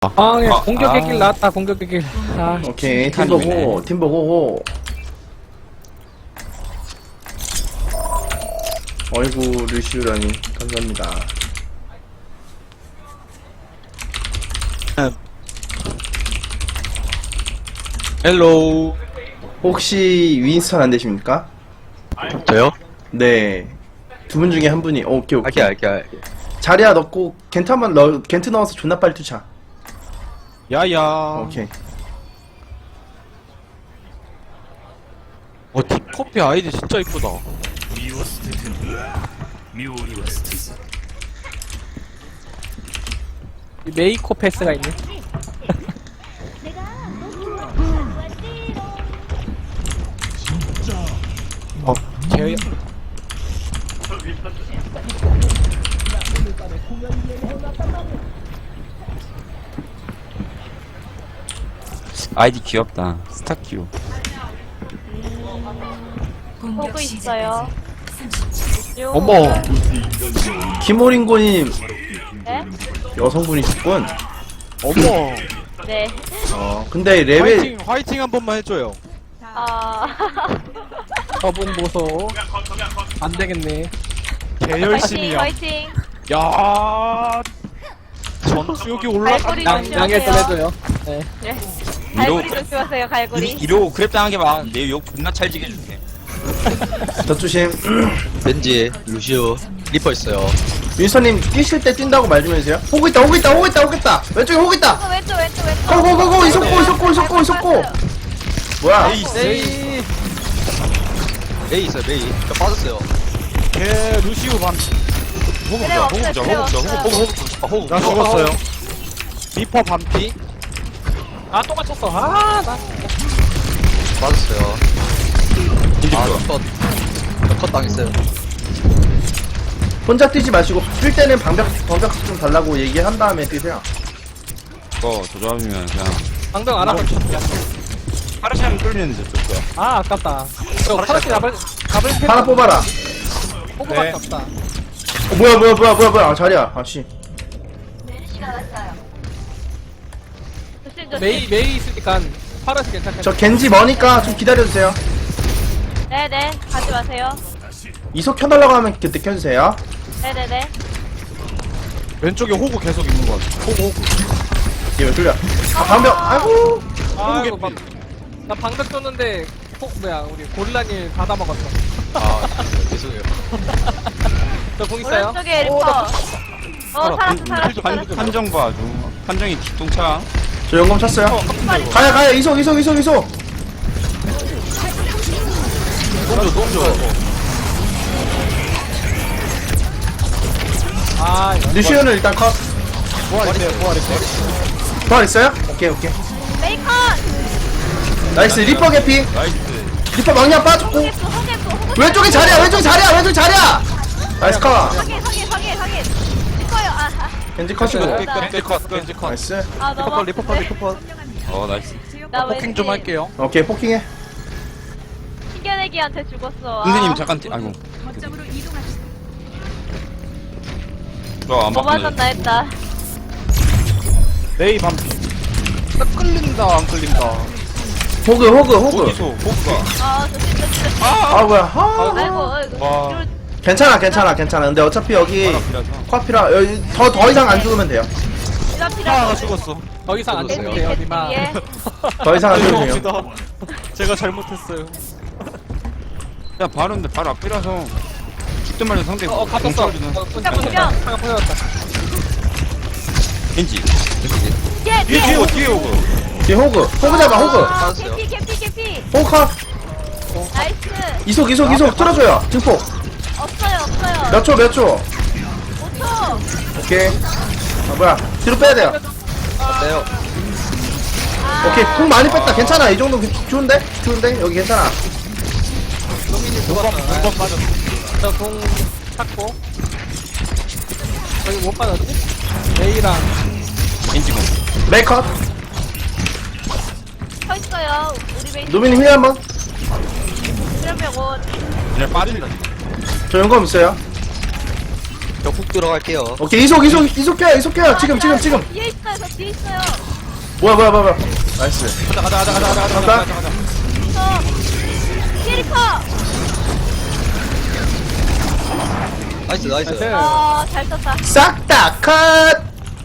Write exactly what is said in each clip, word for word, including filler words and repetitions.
아, 예, 아, 공격의 아. 길 나왔다, 공격의 길. 아, 오케이, 팀 칸이네. 보고, 팀 보고. 어이구, 루시우라니. 감사합니다. 헬로우. 혹시 윈스턴 안 되십니까? 저요? 네. 두 분 중에 한 분이, 어, 오케이, 오케이. 알게, 알게, 알게. 자리야 넣고, 겐트 한번 넣, 겐트 넣어서 존나 빨리 투차. 야야. 오케이. 어, 딥커피 아이디 진짜 이쁘다. 이 메이코 패스가 있네. 어, 제 아이디 귀엽다. 스타큐. 보고 있어요. 요. 어머. 김호링고님, 네? 여성분이셨군. 어머. 네. 어, 근데 레벨, 화이팅, 화이팅 한 번만 해줘요. 아. 저분 보소. 안 되겠네. 개 화이팅, 열심히야. 화이팅. 야. 전투력이 올라가. 갈고리 양, 양해를 조심하세요. 해줘요. 네. 네. 갈고리 조심하세요, 갈고리. 이러고 그랩 당한 게 막 내 욕 존나 찰지게 해줄게. 덧조심. 벤지, 루시오, 리퍼 있어요. 윈스턴님, 뛰실 때 뛴다고 말 좀 해주세요. 호구 있다, 호구 있다, 호구 있다, 호구 있다! 왼쪽에 호구 있다! 어, 왼쪽, 왼쪽, 왼쪽. 고고고고! 이속고, 이속고, 이속고, 이속고! 뭐야? 에이. 메이 있어요, 메이. 저 빠졌어요. 개 루시우 반. 호구 그래, 보자, 없어요, 호구 보자, 그래, 호구 보자, 없어요. 호구, 호구, 호구. 아, 호구. 나 죽었어요. 리퍼 반피. 아, 또 맞췄어. 아, 나. 빠졌어요. 아, 컷. 컷 당했어요. 혼자 뛰지 마시고, 뛸 때는 방벽, 방벽 좀 달라고 얘기한 다음에 뛰세요. 이거 저 조합이면 그냥 방금 알아서 쳤야. 파르시안 끌리는데 또 거야. 아, 아깝다. 저 파라시 잡을, 잡을 패. 하나 뽑아라. 호구밖에 네. 없다. 어, 뭐야, 뭐야, 뭐야, 뭐야, 뭐야. 아, 자리야. 아, 씨. 조심, 조심. 메이, 메이 있으니까 파라시 괜찮겠다. 저 겐지 머니까 좀 기다려주세요. 네네. 가지 마세요. 이속 켜달라고 하면 그때 켜주세요. 네네네. 왼쪽에 호구 계속 있는 거 같아. 호구, 호구. 이왜 뚫려? 아, 방벽, 아이고. 아, 호구 이거 막, 나 방금 썼는데, 호, 뭐야, 우리 고릴라님 다 담아갔어. 아, 죄송해요. 저 공 있어요? 오른쪽에 리퍼. 어, 살았어, 살았어, 한, 살았어. 한정 봐줘. 한정이 기똥차. 저 연금 찼어요. 가야, 가야. 이속, 이속, 이속, 이속. 똥줘, 똥줘. 아, 이거. 루시오는 일단 컷. 부활 있어요, 부활 있어요. 부활 있어요? 오케이, 오케이. 메이컨! 나이스. 리퍼 개피. 나이스. 리퍼 망냥 빠졌고. 호겠어, 호겠어, 호겠어. 왼쪽에 자리야, 왼쪽에 자리야, 왼쪽에 자리야. 나이스 컷. 확인, 확인, 확인, 확인. 리퍼요. 아, 아. 겐지 컷이고. 네. 겐지 컷, 겐지 컷. 나이스. 아, 리퍼 컷, 너무. 리퍼 컷, 리퍼 컷. 어 나이스. 나 포킹 좀 왠지 할게요. 오케이, 포킹해. 튕겨내기한테 죽었어. 선생님 아. 잠깐 뛰- 아이고. 저안 뭐 바꾸네. 맞았나 했다. 메이 반피. 나 끌린다, 안 끌린다. 호그, 호그, 호그. 어디서 호구가? 아, 조심, 조심, 조심. 아, 뭐야. 아. 아이고, 아이고. 와. 뒤로 괜찮아, 괜찮아, 괜찮아. 근데 어차피 여기 파라피라서. 커피라 여기 더 더 이상 안 죽으면 돼요. 뒤로 하나가 뒤로. 죽었어. 더 이상 안 겠어요. 되면 돼요, 니마. 뒤에. 더 이상 안 죽으면 돼요. 죄송합니다. 제가 잘못했어요. 야 바로인데 바로 앞이라서 죽든 말든 상대 어, 갇혔어. 공차주는 어, 야, 꽂혔다. 분명. 잠깐 보여줬다. 겐지. 뒤에, 뒤에 뒤에 뒤에 오고. 뒤에 호그, 호그 잡아, 호그. 아, 빠졌어요. 개피, 개피, 개피. 호그 컷. 나이스. 이속, 이속, 이속. 틀어줘요. 증폭. 없어요, 없어요. 몇 초, 몇 초. 오 초. 오케이. 아, 뭐야. 뒤로 빼야 돼요. 어때요? 아. 오케이. 쿵 많이 뺐다. 괜찮아. 이 정도 좋은데? 좋은데? 여기 괜찮아. 두번 두번 빠졌어. 저공 찾고. 저기 못 받았지? 메이랑. 겐지 공. 메이 컷. 서 있어요. 우리 베이스. 노미님 힐 한번. 그러면 곧. 그냥 빠진다. 저 연금 있어요. 저훅 들어갈게요. 오케이 이속 이속 이속해요 이속해요 지금 지금 지금 뒤에 있어요. 저 뒤에 있어요. 뭐야 뭐야 뭐야 뭐야. 나이스. 가자 가자 가자 가자 가자 간다. 가자 가자. 저 뒤에 리퍼. 나이스, 나이스. 나이스. 어, 잘 썼다. 싹 다 컷.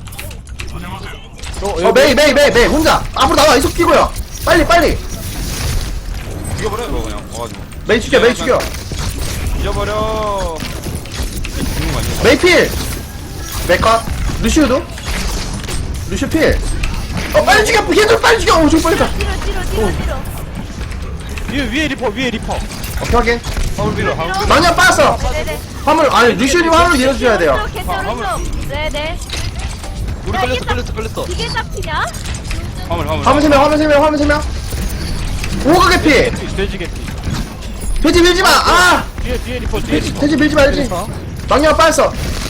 어 메이 메이 메이 메이 혼자 앞으로 나와 이속 끼고요. 빨리 빨리. 죽여버려 이거 그냥 와가지고 메이 죽여 메이 죽여. 죽여버려. 죽는 거 아니야? 메이 필. 메카. 루시우도. 루시우 필. 어 빨리 죽여 얘들 빨리 죽여. 어 좀 빨리 가. 뒤로, 뒤로, 뒤로, 뒤로. 위에 위에 리퍼 위에 리퍼. 오케이 확인. 화물 밀어 화물 밀어. 마냥 빠졌어. 네네. 화물 아니 루시우님 화물 밀어줘야 돼요. 오른쪽, 캔 오른쪽. 네네. 우리 야, 이게 걸렸어, 딱- 걸렸어, 걸렸어. 이게 잡히냐? 화물 화물 화물 세명 화물 세명 화물 세명. 오가 개피. 돼지 개피. 돼지 밀지 마. 아 뒤에 뒤에 리퍼 뒤에 리퍼. 돼지 밀지 말지. 망령 빠졌어.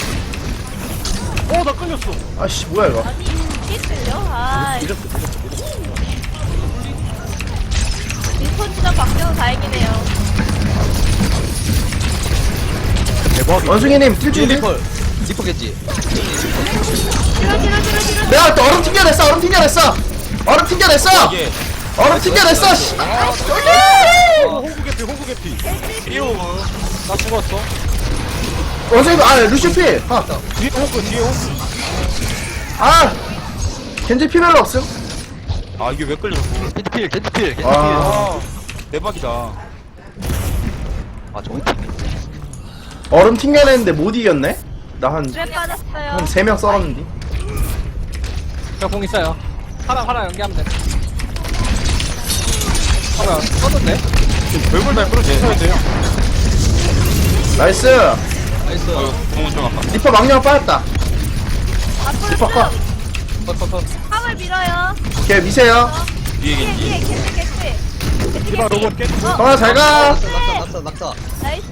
어나 끌렸어. 아씨 뭐야 이거. 아니, 이게 틀려? 아, 리폰 주장 박정우 다행이네요. 대박. 원숭이님 뛸 뒤에 준비. 리퍼. 리퍼겠지? 뒤로, 뒤로, 뒤로, 뒤로. 내가 또 얼음 튕겨냈어 얼음 튕겨냈어 얼음 튕겨냈어 이게 얼음 튕겨냈어 씨. 호구 개피 호구 개피. 나 죽었어. 원숭이 아 루시필 아, 뒤에 호구 뒤에 호구. 아 겐지 피 별로 없음. 아 이게 왜 끌려? 겐지필, 겐지필, 겐지필. 아. 아 대박이다. 아, 저기 팀. 얼음 튕겨냈는데 못 이겼네. 나 한 왜 빠졌어요? 한 세 명 썰었는데. 저공 있어요. 하나 하나 연기하면 돼. 어, 뭐야, 썼는데? 별걸 다 끌어줘야 돼요. 나이스. 나이스. 공은 좀 아파. 리퍼 망령 빠졌다. 앞으로 리퍼 컷. 쭉. 컷, 컷, 컷. 화물 밀어요. 오케이 미세요. 뒤에 뒤에, 뒤에, 겐지. 개피, 개피. 개피, 디바 개피. 로봇 깨. 어, 아 잘가. 낙사, 낙사, 낙사, 낙사. 나이스.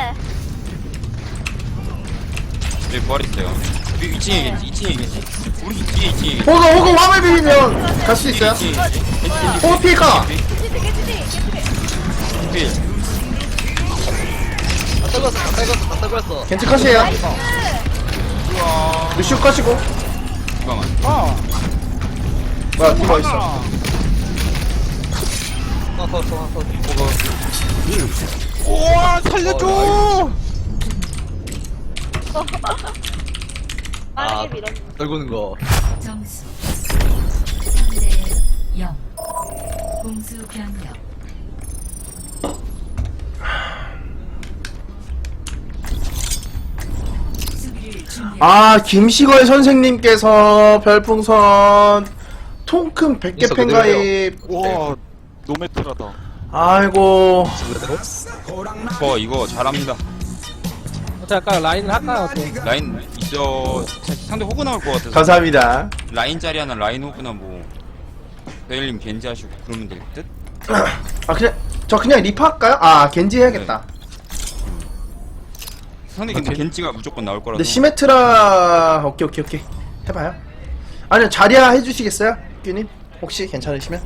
여기 부활 있어요. 여기 이 층에 겐지, 이 층에 겐지. 우리 뒤에 이 층에 겐지. 호그 호그 화물 비비면 갈 수 있어요. 이 층에 겐지. 호그 피가. 개피, 개피, 개피. 필. 다 떨궜어, 다 떨궜어, 다 떨궜어. 겐지 컷이에요. 나이스. 우와. 루시우 컷이고. 잠깐만. 아. 뭐야 디바 있어. 컷, 컷, 컷, 컷. 우와 살려줘. 아, 빠르게 밀었네. 떨구는 거. 점수 삼 대 영 공수 변경 수비를 준비 아 김시걸 선생님께서 별풍선 통큰 백 개 있어, 팬가입. 우와 노메트라다. 아이고 저 이거 잘합니다. 어떻게 할까요? 라인을 할까요? 어떻게? 라인 있어. 상대 호구 나올 것 같아서. 감사합니다. 라인 자리 하나 라인 호구나 뭐. 내일님 겐지 하시고 그러면 될 듯? 아 그냥 저 그냥 리프 할까요? 아 겐지 해야겠다. 상대 근데 겐지가 무조건 나올 거라서. 근데 시메트라 오케이 오케이 오케이 해봐요. 아니요 자리야 해주시겠어요? 규님 혹시 괜찮으시면?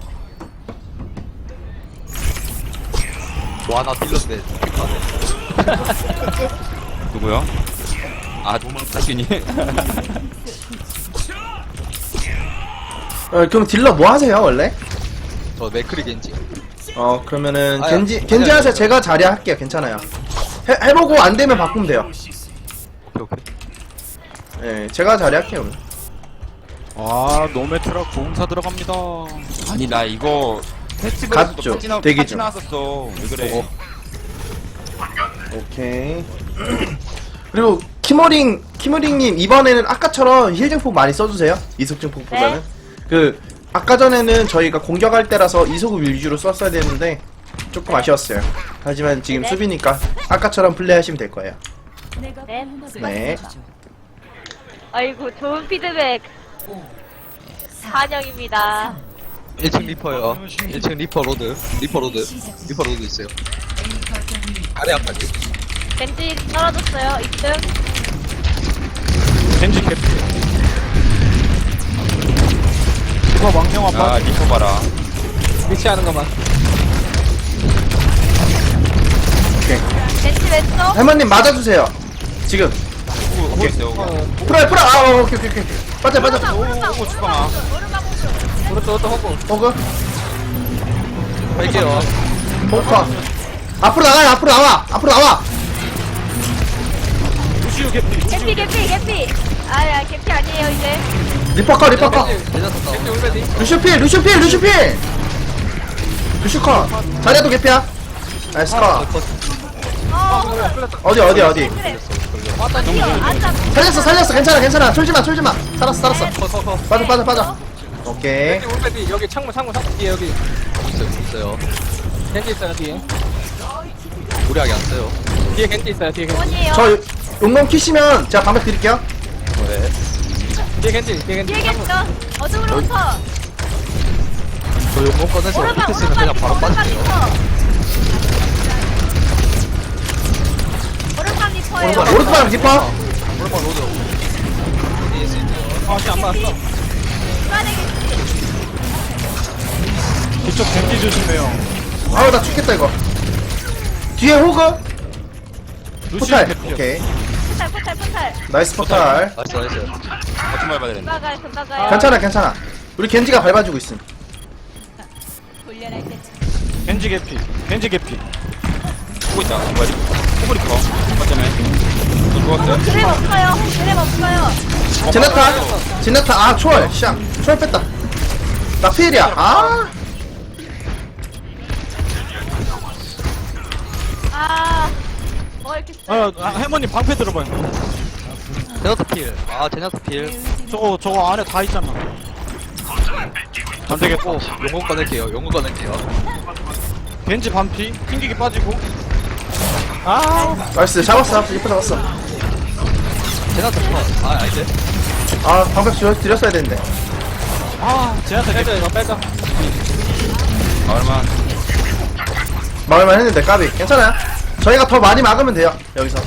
와, 나 딜렀네. 누구요? 아 도망가시니? 어 그럼 딜러 뭐 하세요 원래? 저 맥크리 겐지. 어 그러면은 아야, 겐지 아니야, 겐지 아니야, 하세요. 아니야. 제가 자리야 할게요. 괜찮아요. 해 해보고 안 되면 바꾸면 돼요. 오케이, 오케이. 예 제가 자리 할게요. 오늘. 아 노메트라 공사 들어갑니다. 아니 나 이거 페스티벌에서도 갔죠. 파티, 나, 대기 파티 중. 나왔었어. 왜 그래? 어. 오케이. 그리고 키머링 키머링님 이번에는 아까처럼 힐 증폭 많이 써주세요. 이속 증폭보다는. 그 아까 전에는 저희가 공격할 때라서 이속 위주로 썼어야 되는데 조금 아쉬웠어요. 하지만 지금 네. 수비니까 아까처럼 플레이하시면 될 거예요. 내가 네. 보호막을 네. 씌워줘. 아이고, 좋은 피드백. 오, 사, 환영입니다. 일 층 리퍼요. 일 층 리퍼 로드. 리퍼 로드. 리퍼 로드 있어요. A 거점이 아래 앞까지. 벤지 떨어졌어요. 이 등. 겐지 개피. 디바 망령 한번. 아 리퍼 봐라. 위치하는 것만. 오케이. 벤지 왼쪽. 할머님 맞아주세요. 지금. 보고 있어요. 어, 풀어 풀어 아 어, 오케이 오케이 오케이 빠져 빠져 오른방 오른방 오고 죽방아. 오른방 오른방 오른쪽 오른쪽 호구. 호그 갈게요. 호커 앞으로 나가요 앞으로 나와 앞으로 나와 루시우 개피. 개피 개피 개피 아야 개피 아니에요 이제 리퍼커 리퍼커 내렸었다. 겐지 울베디. 루슈필 루슈필 루슈필 루슈커 자리야도 개피야 나이스 컷 어 어디 어디 어디 그래 뛰어 앉아 살렸어 살렸어 괜찮아 괜찮아 쫄지마 쫄지마 살았어 살았어 커커커. 빠져 빠져 빠져 오케이 겐지 울베디 여기 창문 창문 창문 뒤에 여기. 있어요, 있어요. 겐지 있어요 뒤에. 무리하게 안 써요. 뒤에 겐지 있어요 뒤에 겐지. 원이에요 저 용검 키시면 제가 방백 드릴게요 네. 뒤에 겐지 뒤에 겐지. 뒤에 계시죠 어둠으로부터 저 용공 꺼내서 오른방 히트 쓰면 오른방 그냥 바로 오른방 빠질게요. 리퍼 오른방 리퍼예요 오른쪽 오른쪽 리퍼 오른발 로드. 아씨 안 맞았어. 중간에 계시 뒤쪽 겐지 조심해요. 아우 나 죽겠다 이거 뒤에 호그 루시우 포탈 개피. 오케이 포탈 포탈 포탈 나이스 포탈 나이스, 나이스. 어쩜 밟아야 되는데. 금방가요 금방가요 괜찮아 괜찮아 우리 겐지가 밟아주고 있음 겐지 개피. 겐지 개피. 보고 있다. 뭐야? 호불이 커. 맞잖아요. 너 죽었어요? 그랩 없어요 그랩 없어요 제나타 제나타 아 초월 샹 초월 뺐다 나 피일이야 아 아뭐 이렇게 아, 아 해머님 방패 들어봐요. 제나타 필. 아, 제나타 필. 저거 저거 안에 다 있잖아. 안 되겠고. 오, 용공 꺼낼게요. 용공 꺼낼게요. 겐지 반피. 튕기기 빠지고. 아, 나이스 잡았어 리퍼 잡았어 제나타 컷. 아, 아닌데. 아 방백 주 드렸어야 되는데 아, 제한테 빼자 개피. 이거 빼자. 아, 얼마? 막을만 했는데 까비 괜찮아요 저희가 더 많이 막으면 돼요 여기서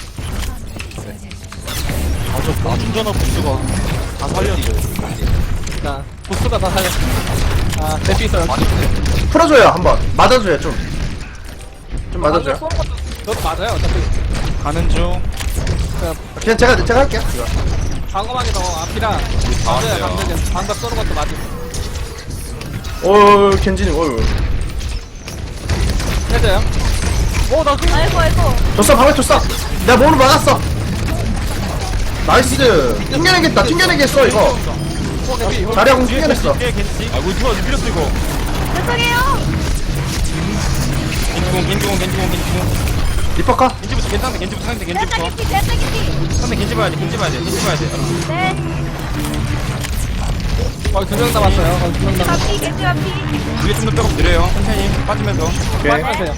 아, 저 운전어 부스가 다 살렸어요. 자 보스가 다 살렸어. 아 대피 있어요. 풀어줘요 한번 맞아줘요 좀 좀 맞아줘요 방금 쏘는 것도 저도 맞아요 어차피. 가는 중. 그냥 제가 제가 할게요 이거. 방어막이 더 앞이라 맞아요. 왔어요. 방금 방금 쏘는 것도 맞고. 오 겐지님 어유 빼자요. 어, 나 그. 아이고 아이고 줬어 방백 줬어 내가 몸으로 막았어 나이스 튕겨내겠다 튕겨내겠어 이거 자리하고 튕겨냈어 뒤에 겐지. 아, 뭐 누가 밀렸어 이거. 죄송해요 겐지공, 겐지공, 겐지공, 겐지공. 리퍼카 겐지부터 괜찮은데, 겐지부터 상대 됐다 겐지부터. 개피 됐다 개피 상대 겐지 봐야 돼, 겐지 봐야 돼, 겐지 봐야 돼. 네 거의 두명 남았어요. 거의 두명 남았어. 가피 개피 가피 위에 좀 더 백업 드려요. 천천히 빠지면서. 오케이 빠지세요.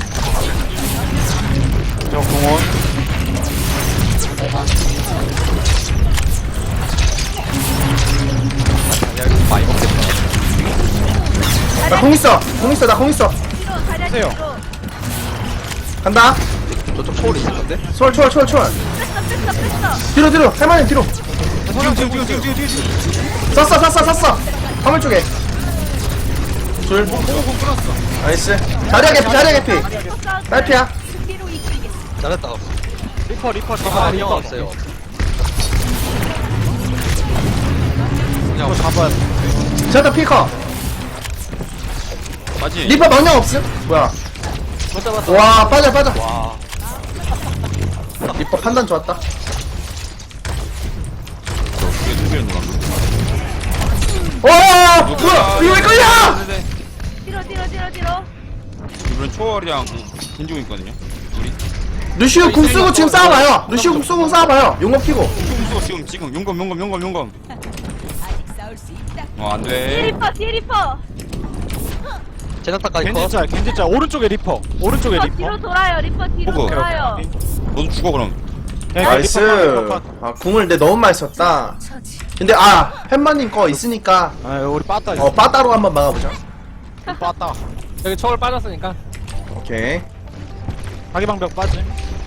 저 공원. 많이 먹겠다. 나 공 있어 공 있어 나 공 있어 뒤로 자리야 하세요. 뒤로 간다 저쪽 초월이 있을 건데? 초월 초월 초월 초월 뺐어 뺐어 뺐어 뒤로 뒤로 할머니 뒤로 지금, 지금, 지금, 지금, 지금, 지금. 썼어 썼어 썼어 화물 쪽에 둘 나이스 자리야 개피 자리야 개피 딸피야 잘했다. 리퍼, 리퍼, 아, 리퍼. 리퍼 없어요. 이거 잡아야 돼. 제나타 피커 맞지? 리퍼 망령 없음 뭐야 못 잡았어. 와 빠져 빠져 와. 리퍼 판단 좋았다 위에 두 개를 누가? 와 뭐야 이거 왜 걸려 네, 뒤로 뒤로 뒤로 뒤로 이번엔 초월이랑 겐지공 있거든요. 우리. 루시우 궁 쓰고 지금 싸워봐요 루시우 궁 쓰고 싸워봐요 용검 피고 흉수가 지금, 지금 용검, 용검, 용검, 용검. 어, 안 뒤에 돼. 리퍼 뒤에 리퍼 제나타까지 컷. 겐지 짤, 겐지 짤. 오른쪽에 리퍼. 오른쪽에 리퍼 리퍼. 뒤로 돌아요 리퍼 뒤로 호구. 돌아요 너도 죽어, 그럼. 네, 나이스 리퍼 컷, 리퍼 컷. 아 궁을 내 너무 많이 썼다 근데 아 햄마님 거 있으니까 아, 우리 빠따 있어. 어 빠따로 한번 막아보자 빠따. 여기 초월 빠졌으니까. 오케이 자기방벽 빠짐.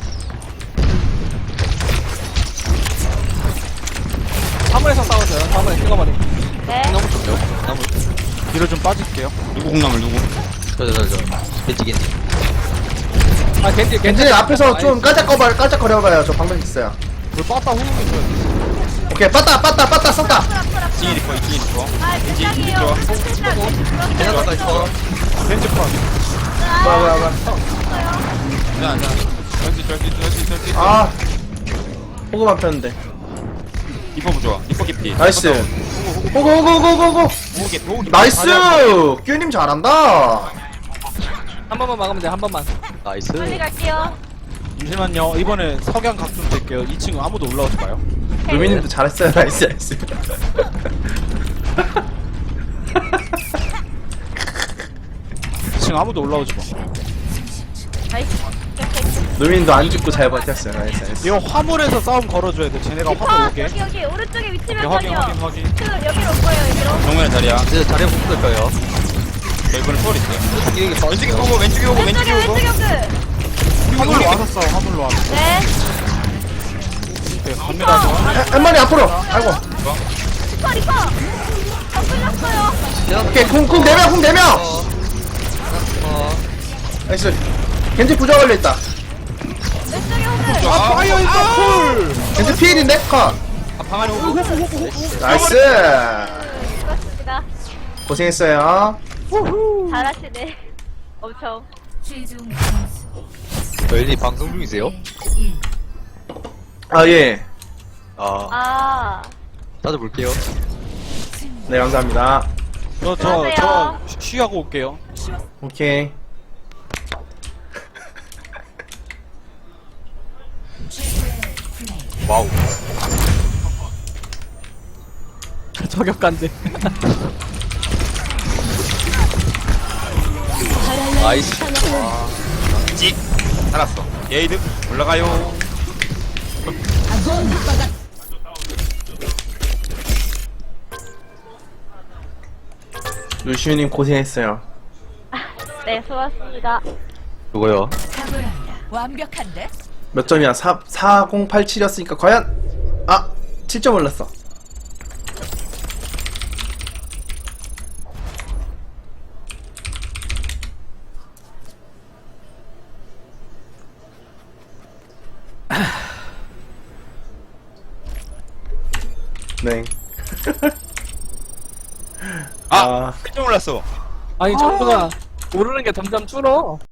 화물에서 싸웠어요. 화물에 찍어버리. 네 너무 좋죠. 나무. 뒤로 좀 빠질게요. 누구 공나물, 누구? 저, 저, 저, 저. 겐지, 겐지. 아 겐지 겐지 겐지님 앞에서 좀 깔짝거려 깔짝거려봐요 저 방법 있어요 우리 빠따 호응해 줘야 돼. 오케이 빠따 빠따 빠따 썼다. 이층에 리퍼 이층에 리퍼 아, 세상이에요. 좋아. 세상. 그냥 갔다 있어. 벤츠판. 뭐야 뭐야 뭐야. 괜찮아 괜찮아 저기 저기 저기 저기 아 호구만 폈는데. 리퍼 부좋아 리퍼 깊이 나이스. 호구 호구 호구 호구 호구. 호기 호기 나이스. 큐님 잘한다. 한 번만 막으면 돼 한 번만. 빨리 나이스. 갈게요. 잠시만요. 이번에 석양 각좀 될게요. 이 층 아무도 올라오지 마요. 루미님도 잘했어요. 나이스 나이스. 이 층 아무도 올라오지 마. 나이스. 루미님도 안 죽고 잘 버텼어요. 나이스 나이스. 이거 화물에서 싸움 걸어줘야 돼. 쟤네가 리퍼 화물 오게. 여기 여기 오른쪽에 위치 오케이, 확인 명령이요. 확인 확인. 그 여기로 올 거예요 여기로. 정면에 자리야 이제 자리에 못 붙을 거예요. 저 이번에 초월 있어요 이게 왼쪽에 오고 왼쪽에 오고 왼쪽에 왼쪽에 오고 왼쪽에 그. 화물로 와서 싸워. 화물로 와서. 네. 오케이. 갑니다. 저. 한- 한 마리 앞으로. 아이고. 리퍼 리퍼. 아 끌렸어요. 오케이 쿵쿵 네 명 쿵 네 명. 어. 나이스. 겐지 부자 걸려 있다. 왼쪽에 호그. 아 파이어 인더 쿨. 겐지 피일인데 컷. 방 안에 오고 나이스. 수고하셨습니다. 고생했어요. 잘하시네. 엄청. 최종 점수 저희 방송 중이세요? 일. 아 예. 아, 아. 찾아볼게요. 네 감사합니다. 저, 저, 저, 안녕하세요. 쉬- 쉬하고 올게요. 오케이. 최고의 플레이. 와우 저격간데. 나이스. 찍 살았어 예이드 올라가요 루시우님 고생했어요. 네 수고하셨습니다. 누구요? 탁월합니다. 완벽한데? 몇 점이야? 사, 사공팔칠이었으니까 과연? 아! 칠 점 올랐어. 네. 아 깜짝 놀랐어 아니 정수가 오르는 게 점점 줄어.